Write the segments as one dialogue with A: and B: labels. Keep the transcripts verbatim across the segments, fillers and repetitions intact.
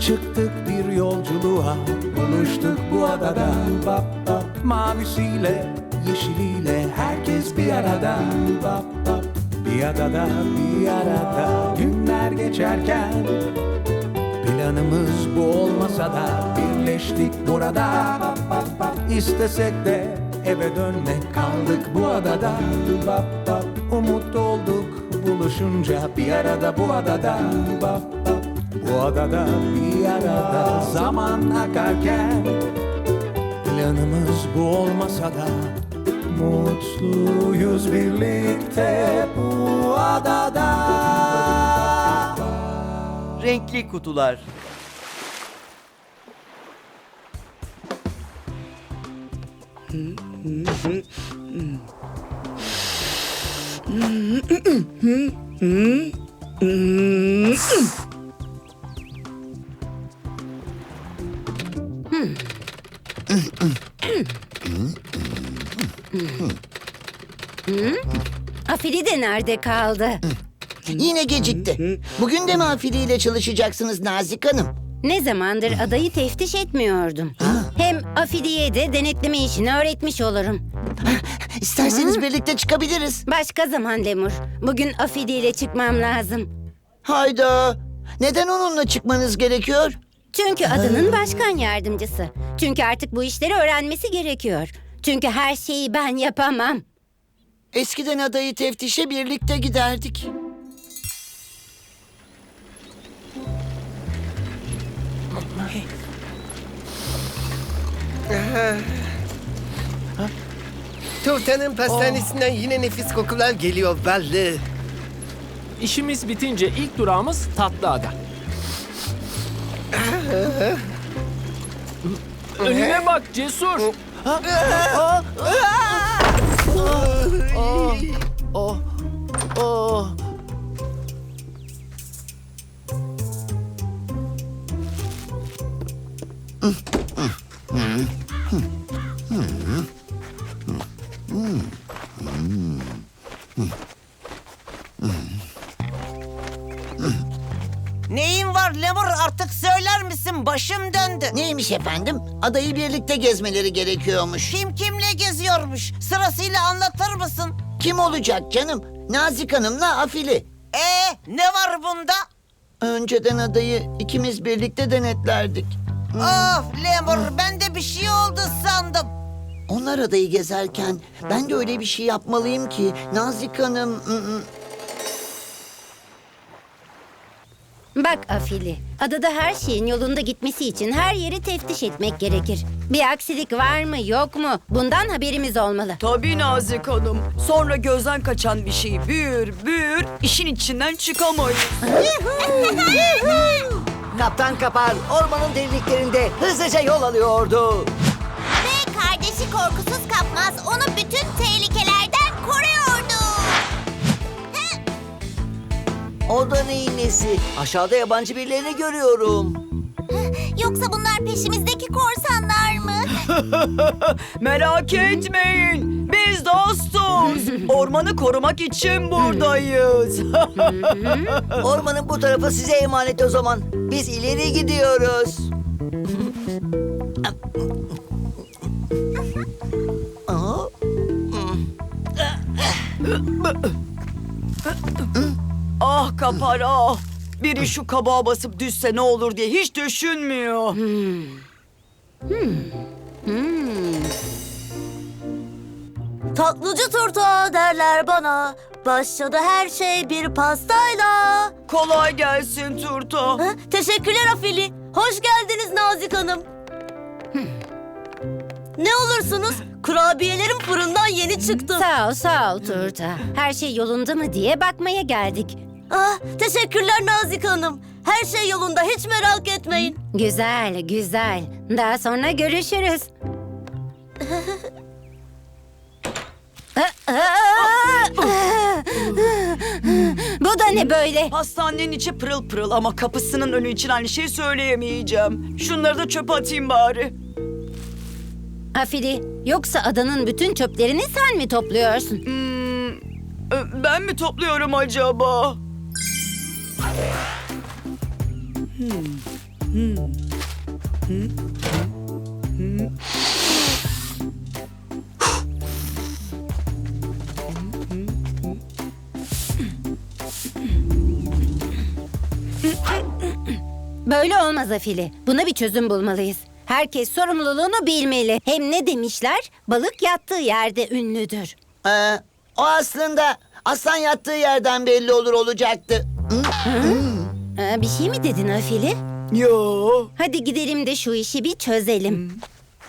A: Çıktık bir yolculuğa, buluştuk bu adada. Bap bap, mavisiyle, yeşiliyle herkes bir arada. Bap bap, bir adada, bir arada. Günler geçerken planımız bu olmasa da birleştik burada. Bap bap bap, istesek de eve dönmek, kaldık bu adada. Bap bap, umut olduk buluşunca bir arada bu adada. Bap bap, bu adada bir arada. Zaman akarken planımız bu olmasa da mutluyuz birlikte bu adada.
B: Renkli kutular.
C: Afili de nerede kaldı?
D: Yine gecikti. Bugün de mi afiliyle çalışacaksınız Nazik Hanım?
C: Ne zamandır adayı teftiş etmiyordum. Hem Afili'ye de denetleme işini öğretmiş olurum.
D: İsterseniz birlikte çıkabiliriz.
C: Başka zaman Lemur. Bugün Afili ile çıkmam lazım.
D: Hayda. Neden onunla çıkmanız gerekiyor?
C: Çünkü adanın başkan yardımcısı. Çünkü artık bu işleri öğrenmesi gerekiyor. Çünkü her şeyi ben yapamam.
D: Eskiden adayı teftişe birlikte giderdik.
E: Turtanın pastanesinden yine nefis kokular geliyor belli.
F: İşimiz bitince ilk durağımız Tatlıada. Önüne bak Cesur.
B: Oh, oh.
G: Neyin var Lemur, artık söyler misin? Başım döndü.
D: Neymiş efendim? Adayı birlikte gezmeleri gerekiyormuş.
G: Kim kimle geziyormuş? Sırasıyla anlatır mısın?
D: Kim olacak canım? Nazik Hanım'la Afili.
G: Ee, ne var bunda?
D: Önceden adayı ikimiz birlikte denetlerdik.
G: Of Lemur, ben de bir şey oldu sandım.
D: Onlar adayı gezerken ben de öyle bir şey yapmalıyım ki Nazik Hanım... ı-ı.
C: Bak Afili, adada her şeyin yolunda gitmesi için her yeri teftiş etmek gerekir. Bir aksilik var mı yok mu? Bundan haberimiz olmalı.
H: Tabii Nazik Hanım. Sonra gözden kaçan bir şey büyür büyür, işin içinden çıkamayız.
B: Kaptan Kapar ormanın derinliklerinde hızlıca yol alıyordu.
I: Ve kardeşi korkusuz kapmaz onu bütün tehlikelerden koruyordu.
B: O da neyin nesi? Aşağıda yabancı birilerini görüyorum.
I: Yoksa bunlar peşimizdeki korsanlar mı?
H: Merak etmeyin. Biz dostuz. Ormanı korumak için buradayız.
B: Ormanın bu tarafı size emanet o zaman. Biz ileri gidiyoruz. Aa,
H: Ah Kapar ah. Biri şu kabağa basıp düşse ne olur diye hiç düşünmüyor.
J: Tatlıcı turta derler bana. Başladı her şey bir pastayla.
H: Kolay gelsin Turta.
J: Ha, teşekkürler Afili. Hoş geldiniz Nazik Hanım. Ne olursunuz? Kurabiyelerim fırından yeni çıktı.
C: Sağ ol, sağ ol Turta. Her şey yolunda mı diye bakmaya geldik.
J: Ah, teşekkürler Nazik Hanım. Her şey yolunda, hiç merak etmeyin.
C: Güzel, güzel. Daha sonra görüşürüz. Bu da ne böyle?
H: Hastanenin içi pırıl pırıl ama kapısının önü için aynı şeyi söyleyemeyeceğim. Şunları da çöpe atayım bari.
C: Afili, yoksa adanın bütün çöplerini sen mi topluyorsun?
H: Hmm, e, ben mi topluyorum acaba? Hmm.
C: Böyle olmaz Afili. Buna bir çözüm bulmalıyız. Herkes sorumluluğunu bilmeli. Hem ne demişler? Balık yattığı yerde ünlüdür.
D: Ee, o aslında aslan yattığı yerden belli olur olacaktı.
C: Aa, bir şey mi dedin Afili?
H: Yo.
C: Hadi gidelim de şu işi bir çözelim.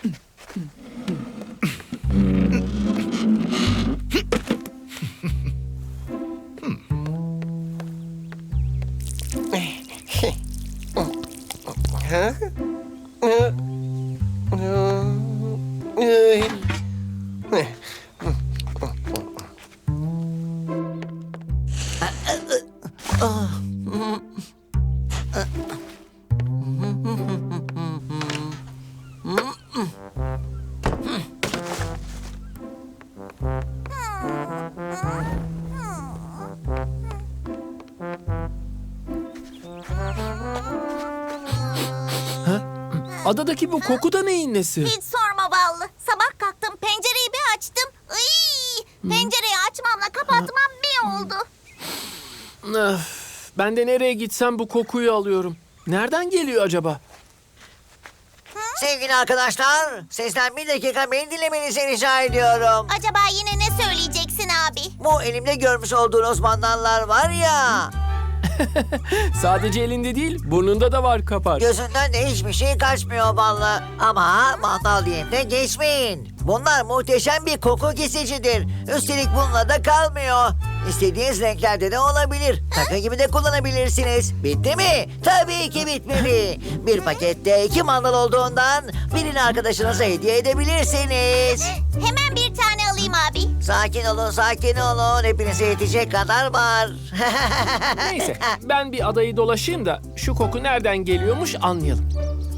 F: Adadaki bu koku da neyin nesi?
I: Hiç sorma Ballı. Sabah kalktım pencereyi bir açtım. Iy, pencereyi açmamla kapatmam bir oldu.
F: Öf, ben de nereye gitsem bu kokuyu alıyorum. Nereden geliyor acaba?
B: Sevgili arkadaşlar, sesten bir dakika beni dinlemenizi rica ediyorum.
I: Acaba yine ne söyleyeceksin abi?
B: Bu elimde görmüş olduğunuz mandallar var ya,
F: Sadece elinde değil, burnunda da var kapar.
B: gözünden de hiçbir şey kaçmıyor vallahi. Ama mandal diyeyim de geçmeyin. Bunlar muhteşem bir koku kesicidir. Üstelik bununla da kalmıyor. İstediğiniz renklerde de olabilir. Takı gibi de kullanabilirsiniz. Bitti mi? Tabii ki bitmedi. Bir pakette iki mandal olduğundan birini arkadaşınıza hediye edebilirsiniz.
I: Hemen bir tane alayım abi.
B: Sakin olun, sakin olun. Hepinize yetecek kadar var.
F: Neyse, ben bir adayı dolaşayım da şu koku nereden geliyormuş anlayalım.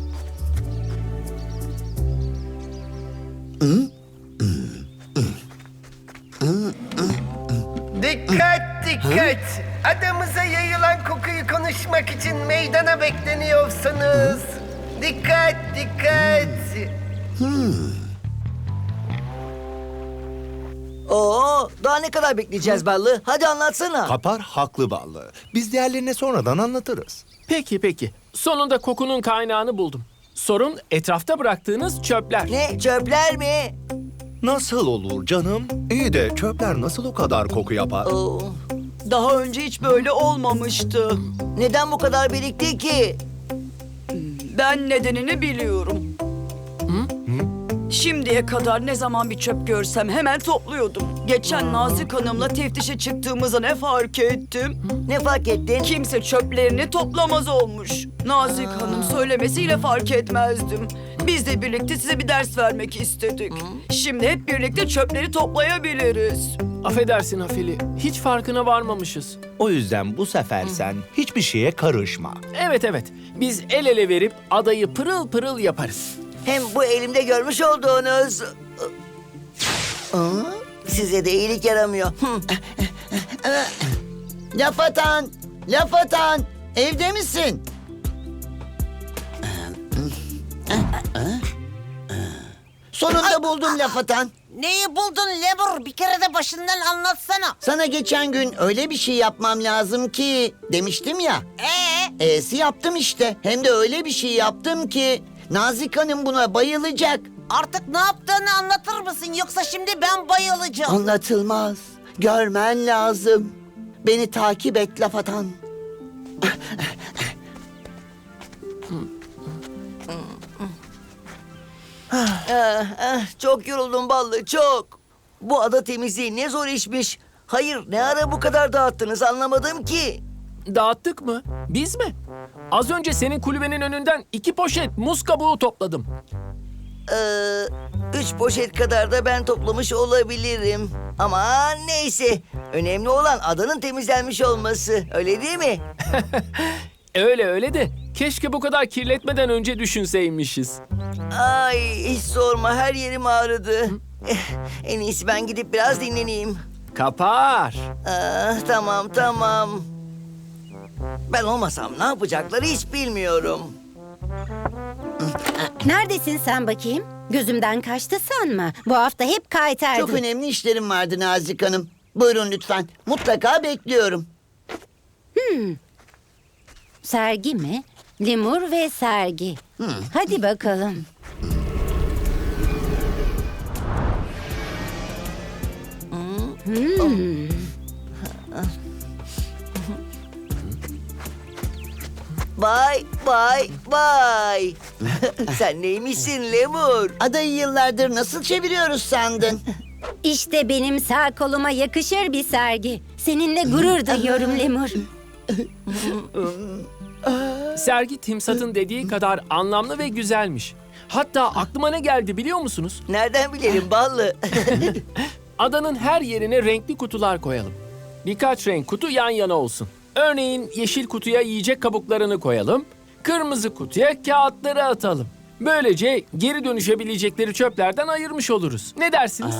E: Dikkat dikkat. Adamıza yayılan kokuyu konuşmak için meydana bekleniyorsunuz. Dikkat dikkat.
B: Oo, daha ne kadar bekleyeceğiz Ballı? Hadi anlatsana.
A: Kapar haklı Ballı. Biz diğerlerine sonradan anlatırız.
F: Peki peki, sonunda kokunun kaynağını buldum. Sorun etrafta bıraktığınız çöpler.
B: Ne, çöpler mi?
A: Nasıl olur canım? İyi de çöpler nasıl o kadar koku yapar?
B: Oo,
H: Daha önce hiç böyle olmamıştı.
B: neden bu kadar birikti ki?
H: Ben nedenini biliyorum. Şimdiye kadar ne zaman bir çöp görsem hemen topluyordum. Geçen Nazik Hanım'la teftişe çıktığımızda ne fark ettim?
B: Ne fark ettin?
H: Kimse çöplerini toplamaz olmuş. Nazik Hanım söylemesiyle fark etmezdim. Biz de birlikte size bir ders vermek istedik. Şimdi hep birlikte çöpleri toplayabiliriz.
F: Affedersin Afili, hiç farkına varmamışız.
A: O yüzden bu sefer sen hiçbir şeye karışma.
F: Evet evet, biz el ele verip adayı pırıl pırıl yaparız.
B: Hem bu elimde görmüş olduğunuz... Aa, size de iyilik yaramıyor. Hı.
D: Laf atan, laf atan. Evde misin? Sonunda buldum laf atan.
G: Neyi buldun Lemur? Bir kere de başından anlatsana.
D: Sana geçen gün öyle bir şey yapmam lazım ki demiştim ya.
G: Ee,
D: E'si yaptım işte. Hem de öyle bir şey yaptım ki Nazik Hanım buna bayılacak.
G: artık ne yaptığını anlatır mısın? Yoksa şimdi ben bayılacağım.
D: Anlatılmaz. Görmen lazım. Beni takip et laf atan.
B: Ah, ah, çok yoruldum Ballı, çok. Bu ada temizliği ne zor işmiş. Hayır, ne ara bu kadar dağıttınız anlamadım ki.
F: Dağıttık mı? Biz mi? Az önce senin kulübenin önünden iki poşet muz kabuğu topladım.
B: Ee, üç poşet kadar da ben toplamış olabilirim. Ama neyse. Önemli olan adanın temizlenmiş olması. Öyle değil mi?
F: Öyle öyle de keşke bu kadar kirletmeden önce düşünseymişiz.
B: Ay hiç sorma, her yerim ağrıdı. Eh, en iyisi ben gidip biraz dinleneyim.
F: Kapar.
B: Ah, tamam tamam. Ben olmasam ne yapacakları hiç bilmiyorum.
C: Neredesin sen bakayım? Gözümden kaçtı sanma. Bu hafta hep kaytardın.
D: Çok önemli işlerim vardı Nazik Hanım. Buyurun lütfen. Mutlaka bekliyorum.
C: Sergi mi? Lemur ve sergi. Hadi bakalım. Hmm.
B: Vay vay vay. Sen neymişsin Lemur?
D: Adayı yıllardır nasıl çeviriyoruz sandın?
C: İşte benim sağ koluma yakışır bir sergi. Seninle gurur duyuyorum Lemur.
F: Sergi Timsat'ın dediği kadar anlamlı ve güzelmiş. Hatta aklıma ne geldi biliyor musunuz?
B: Nereden bilelim ballı?
F: Adanın her yerine renkli kutular koyalım. Birkaç renk kutu yan yana olsun. Örneğin yeşil kutuya yiyecek kabuklarını koyalım. Kırmızı kutuya kağıtları atalım. Böylece geri dönüşebilecekleri çöplerden ayırmış oluruz. Ne dersiniz?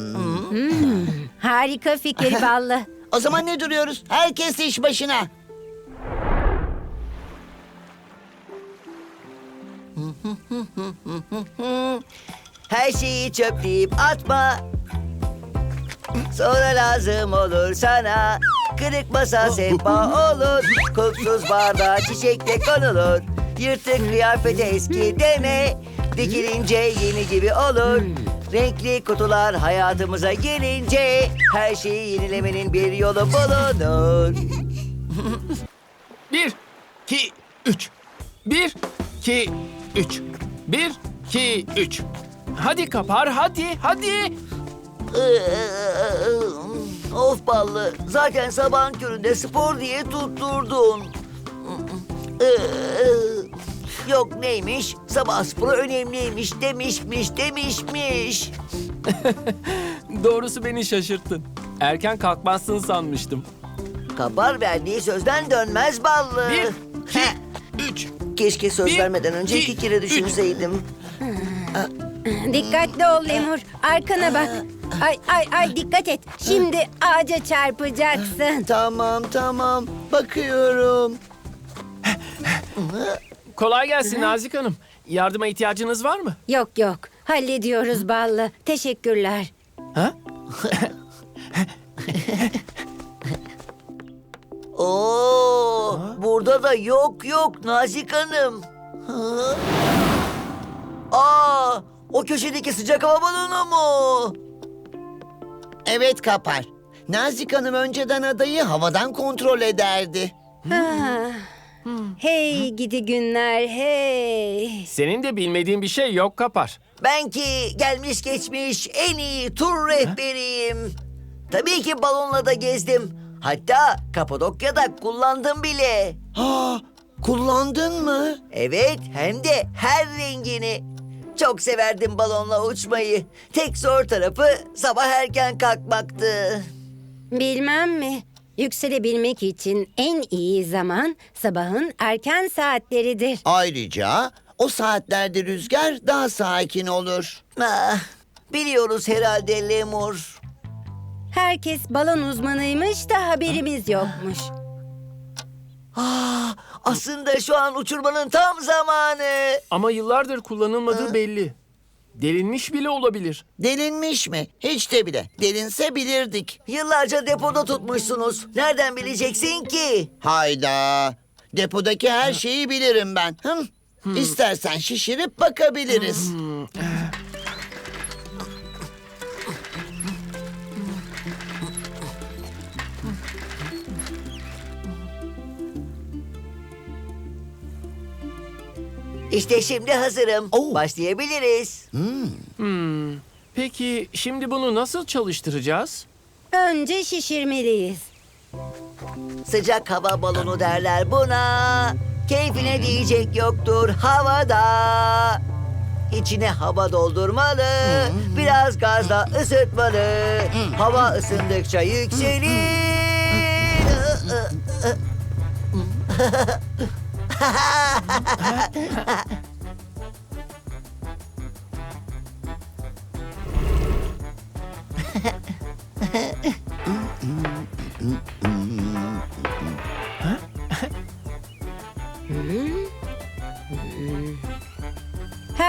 C: Harika fikir Ballı.
D: O zaman ne duruyoruz? Herkes iş başına.
B: Her şeyi çöpleyip atma. Sonra lazım olur sana. Kırık masa sehpa olur. Kokusuz bardağa çiçek de konulur. Yırtık kıyafete eski deme. Dikilince yeni gibi olur. Renkli kutular hayatımıza gelince her şeyi yenilemenin bir yolu bulunur.
F: Bir, iki, üç. Bir, iki, üç. Bir, iki, üç. Hadi Kapar, hadi, hadi.
B: Of ballı. Zaten sabahın köründe spor diye tutturdun. Yok neymiş? Sabah sporu önemliymiş demişmiş demişmiş.
F: Doğrusu beni şaşırttın. Erken kalkmazsın sanmıştım.
B: Kabar verdiği sözden dönmez ballı.
F: Bir, iki, üç.
B: Keşke söz
F: bir,
B: vermeden önce
F: iki,
B: iki kere düşünseydim.
C: Dikkatli ol Lemur. Arkana bak. Ay ay ay dikkat et. Şimdi ağaca çarpacaksın.
D: Tamam tamam. Bakıyorum.
F: Kolay gelsin Nazik Hanım. Yardıma ihtiyacınız var mı?
C: Yok yok. Hallediyoruz Ballı. Teşekkürler.
F: Ha?
B: Oo, burada da yok yok Nazik Hanım. Ha? Aa, o köşedeki sıcak hava balonu mu?
D: Evet Kapar. Nazik Hanım önceden adayı havadan kontrol ederdi.
C: Ah. Hey gidi günler hey.
F: Senin de bilmediğin bir şey yok Kapar.
B: Ben ki gelmiş geçmiş en iyi tur rehberiyim. Tabii ki balonla da gezdim. Hatta Kapadokya'da kullandım bile.
D: Ha, kullandın mı?
B: Evet, hem de her rengini. Çok severdim balonla uçmayı. Tek zor tarafı sabah erken kalkmaktı.
C: Bilmem mi? Yükselebilmek için en iyi zaman sabahın erken saatleridir.
D: Ayrıca o saatlerde rüzgar daha sakin olur.
B: Ah, biliyoruz herhalde Lemur.
C: Herkes balon uzmanıymış da haberimiz yokmuş.
B: Ah, aslında şu an uçurmanın tam zamanı.
F: Ama yıllardır kullanılmadığı belli. Delinmiş bile olabilir.
D: Delinmiş mi? Hiç de bile. Delinse bilirdik.
B: Yıllarca depoda tutmuşsunuz. Nereden bileceksin ki?
D: Hayda. Depodaki her şeyi bilirim ben. Hım. İstersen şişirip bakabiliriz.
B: İşte şimdi hazırım.
D: Oo.
B: Başlayabiliriz.
F: Peki şimdi bunu nasıl çalıştıracağız?
C: Önce şişirmeliyiz.
B: Sıcak hava balonu derler buna. Keyfine diyecek yoktur havada. İçine hava doldurmalı. Biraz gazla ısıtmalı. Hava ısındıkça yükselir.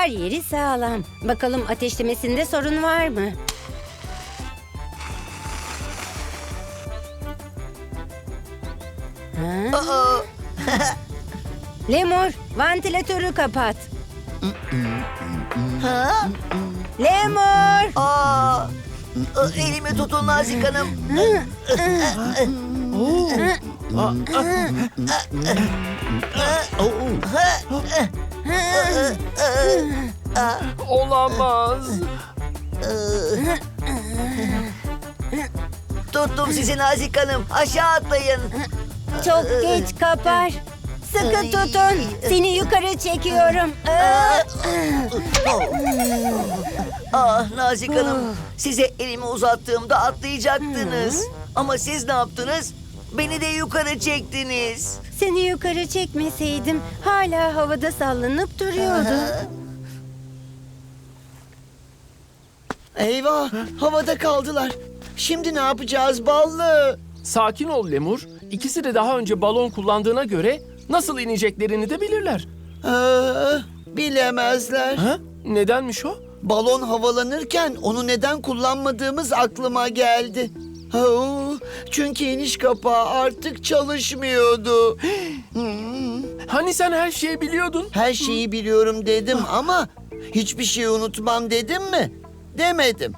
C: Her yeri sağlam. Bakalım ateşlemesinde sorun var mı? Ha?
B: Aa,
C: Lemur, vantilatörü kapat.
B: ha?
C: Lemur!
B: Aa, Aa, elimi tutun Nazik Hanım.
F: Olamaz.
B: Tuttum sizi Nazik Hanım. Aşağı atlayın.
C: Çok geç Kapar. Sıkı tutun. Seni yukarı çekiyorum. Aa!
B: Ah Nazik Hanım, size elimi uzattığımda atlayacaktınız. Ama siz ne yaptınız? Beni de yukarı çektiniz.
C: Seni yukarı çekmeseydim hala havada sallanıp duruyordu.
D: Eyvah, havada kaldılar. Şimdi ne yapacağız ballı?
F: Sakin ol Lemur. İkisi de daha önce balon kullandığına göre nasıl ineceklerini de bilirler.
D: Aa, bilemezler.
F: Ha? Nedenmiş o?
D: Balon havalanırken onu neden kullanmadığımız aklıma geldi. Oo, çünkü iniş kapağı artık çalışmıyordu. Hmm,
F: Hani sen her şeyi biliyordun?
D: her şeyi biliyorum dedim ama hiçbir şeyi unutmam dedim mi? Demedim.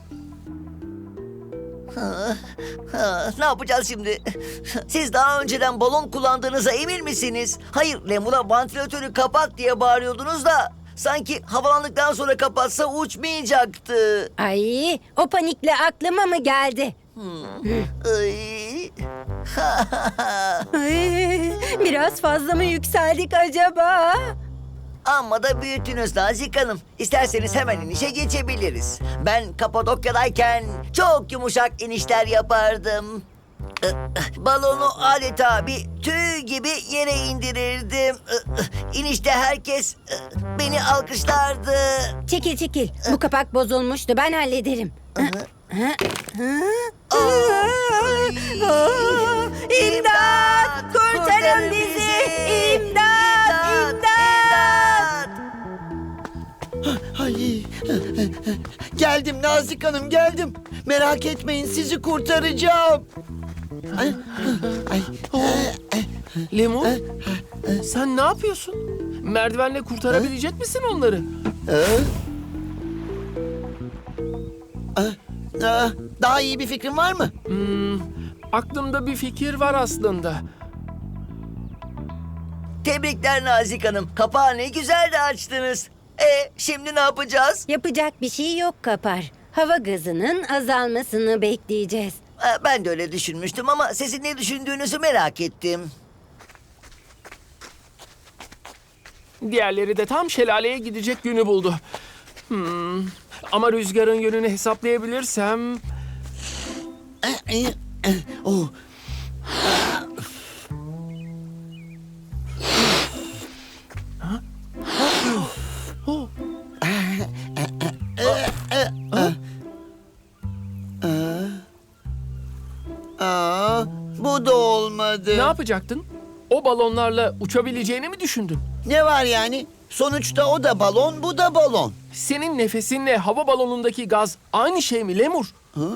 B: Ha, ne yapacağız şimdi? Siz daha önceden balon kullandığınıza emin misiniz? Hayır, Lemur'a vantilatörü kapat diye bağırıyordunuz da sanki havalandıktan sonra kapatsa uçmayacaktı.
C: Ay, o panikle aklıma mı geldi?
B: Ay.
C: Ay, biraz fazla mı yükseldik acaba?
B: Amma da büyüttünüz Nazik Hanım. İsterseniz hemen inişe geçebiliriz. Ben Kapadokya'dayken çok yumuşak inişler yapardım. Balonu adeta bir tüy gibi yere indirirdim. İnişte herkes beni alkışlardı.
C: Çekil çekil. Bu kapak bozulmuştu. Ben hallederim. İmdat! Kurtarın bizi! İmdat! İmdat!
D: Ay, geldim Nazik Hanım geldim. Merak etmeyin sizi kurtaracağım. Ay, ay,
F: Lemur, sen ne yapıyorsun? Merdivenle kurtarabilecek misin onları?
D: Aa, daha iyi bir fikrin var mı?
F: Hmm, aklımda bir fikir var aslında.
B: Tebrikler Nazik Hanım. Kapağı ne güzel de açtınız. E şimdi ne yapacağız?
C: Yapacak bir şey yok Kapar. Hava gazının azalmasını bekleyeceğiz.
B: E, Ben de öyle düşünmüştüm ama sizin ne düşündüğünüzü merak ettim.
F: Diğerleri de tam şelaleye gidecek günü buldu. Hmm, ama rüzgarın yönünü hesaplayabilirsem...
D: Oh.
F: Oh,
D: Aa, bu da olmadı.
F: ne yapacaktın? O balonlarla uçabileceğini mi düşündün?
D: Ne var yani? Sonuçta o da balon, bu da balon.
F: Senin nefesinle hava balonundaki gaz aynı şey mi Lemur?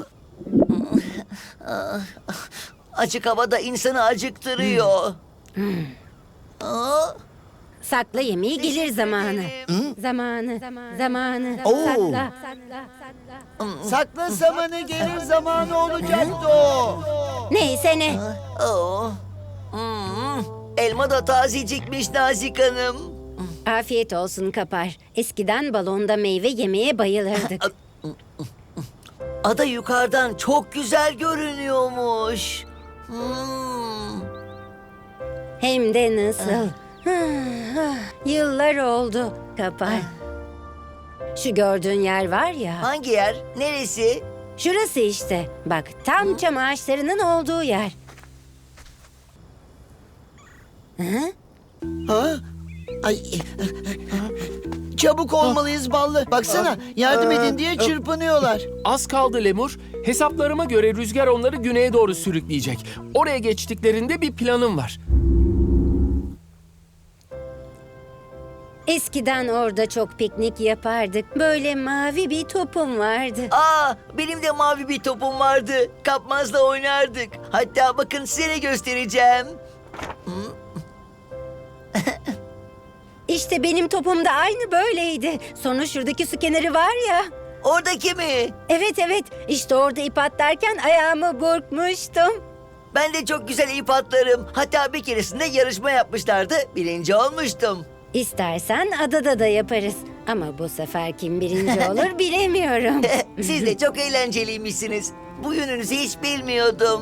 B: Açık havada insanı acıktırıyor. Aa,
C: Sakla yemeği gelir zamanı. Zamanı. Zamanı.
D: Oo.
C: Sakla. Sakla. Sakla.
D: Sakla zamanı gelir zamanı olacaktı o.
C: Neyse ne.
B: oo. Hmm, elma da tazecikmiş Nazik Hanım.
C: Afiyet olsun Kapar. Eskiden balonda meyve yemeye bayılırdık.
B: Ada yukarıdan çok güzel görünüyormuş. Hmm.
C: Hem de nasıl. Yıllar oldu Kapar. Şu gördüğün yer var ya.
B: Hangi yer? Neresi?
C: Şurası işte. Bak tam çam ağaçlarının olduğu yer. Hı?
D: Ha? Ay. Çabuk olmalıyız ballı. Baksana yardım edin diye çırpınıyorlar.
F: Az kaldı Lemur. Hesaplarıma göre rüzgar onları güneye doğru sürükleyecek. Oraya geçtiklerinde bir planım var.
C: Eskiden orada çok piknik yapardık. Böyle mavi bir topum vardı.
B: Aa, benim de mavi bir topum vardı. Kapmazla oynardık. Hatta bakın size ne göstereceğim.
C: İşte benim topum da aynı böyleydi. Sonra şuradaki su kenarı var ya.
B: Oradaki mi?
C: Evet evet, işte orada ip atlarken ayağımı burkmuştum.
B: Ben de çok güzel ip atlarım. Hatta bir keresinde yarışma yapmışlardı. Birinci olmuştum.
C: İstersen adada da yaparız. Ama bu sefer kim birinci olur bilemiyorum.
B: Siz de çok eğlenceliymişsiniz. Bu yönünüzü hiç bilmiyordum.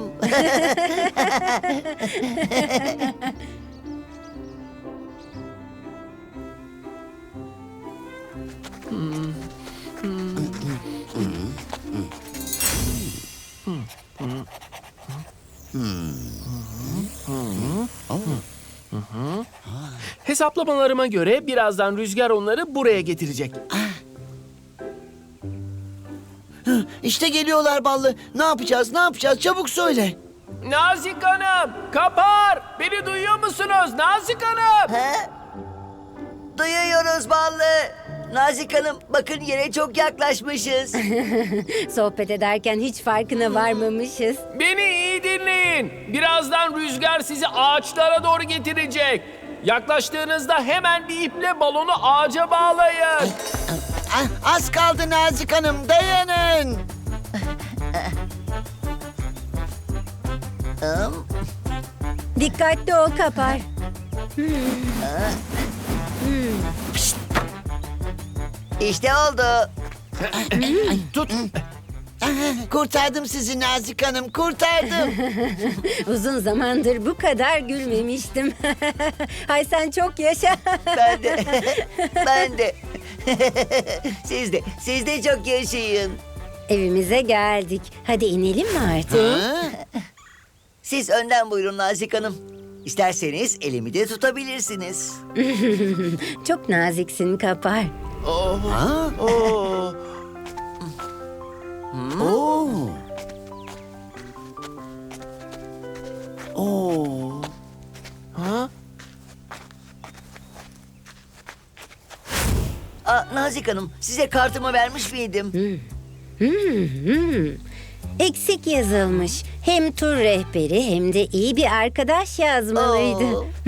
F: Hesaplamalarıma göre birazdan rüzgar onları buraya getirecek.
D: İşte geliyorlar Ballı. Ne yapacağız, ne yapacağız? Çabuk söyle.
F: Nazik Hanım, Kapar! Beni duyuyor musunuz Nazik Hanım?
B: He? Duyuyoruz Ballı. Nazik Hanım, bakın yere çok yaklaşmışız.
C: Sohbet ederken hiç farkına varmamışız.
F: Beni iyi dinleyin. Birazdan rüzgar sizi ağaçlara doğru getirecek. Yaklaştığınızda hemen bir iple balonu ağaca bağlayın.
D: Ah, az kaldı Nazik Hanım, dayanın.
C: Dikkatli ol Kapar.
B: İşte oldu.
F: Tut.
D: Kurtardım sizi Nazik Hanım, kurtardım.
C: Uzun zamandır bu kadar gülmemiştim. Hay sen çok yaşa.
B: Ben de. Ben de. Siz de. Siz de çok yaşayın.
C: Evimize geldik. Hadi inelim mi artık?
B: Siz önden buyurun Nazik Hanım. İsterseniz elimi de tutabilirsiniz.
C: Çok naziksin Kapar.
D: Oo. Oo.
F: Ha?
B: Aa, Nazik Hanım, size kartımı vermiş miydim?
C: Eksik yazılmış. Hem tur rehberi hem de iyi bir arkadaş yazmalıydı.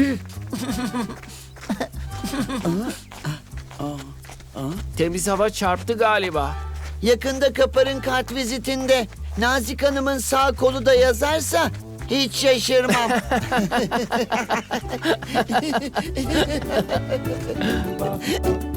B: Oo.
F: Temiz hava çarptı galiba.
D: Yakında Kapar'ın kart vizitinde Nazik Hanım'ın sağ kolu da yazarsa hiç şaşırmam.